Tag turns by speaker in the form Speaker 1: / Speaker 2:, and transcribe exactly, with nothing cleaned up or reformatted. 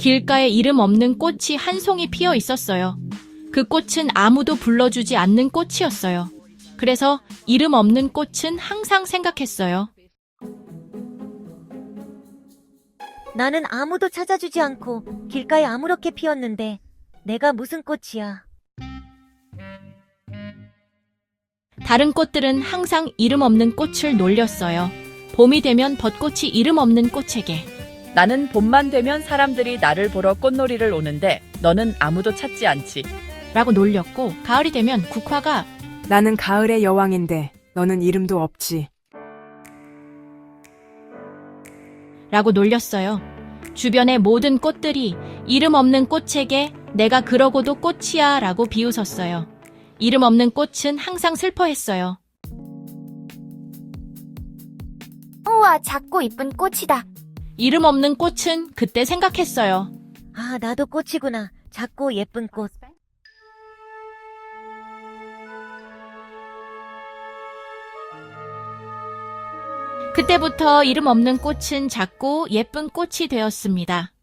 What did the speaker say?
Speaker 1: 길가에 이름 없는 꽃이 한 송이 피어 있었어요. 그 꽃은 아무도 불러주지 않는 꽃이었어요. 그래서 이름 없는 꽃은 항상 생각했어요.
Speaker 2: 나는 아무도 찾아주지 않고 길가에 아무렇게 피었는데 내가 무슨 꽃이야.
Speaker 1: 다른 꽃들은 항상 이름 없는 꽃을 놀렸어요. 봄이 되면 벚꽃이 이름 없는 꽃에게
Speaker 3: 나는 봄만 되면 사람들이 나를 보러 꽃놀이를 오는데 너는 아무도 찾지 않지.
Speaker 1: 라고 놀렸고, 가을이 되면 국화가
Speaker 4: 나는 가을의 여왕인데 너는 이름도 없지.
Speaker 1: 라고 놀렸어요. 주변의 모든 꽃들이 이름 없는 꽃에게 내가 그러고도 꽃이야 라고 비웃었어요. 이름 없는 꽃은 항상 슬퍼했어요.
Speaker 5: 우와, 작고 이쁜 꽃이다.
Speaker 1: 이름 없는 꽃은 그때 생각했어요.
Speaker 2: 아, 나도 꽃이구나. 작고 예쁜 꽃.
Speaker 1: 그때부터 이름 없는 꽃은 작고 예쁜 꽃이 되었습니다.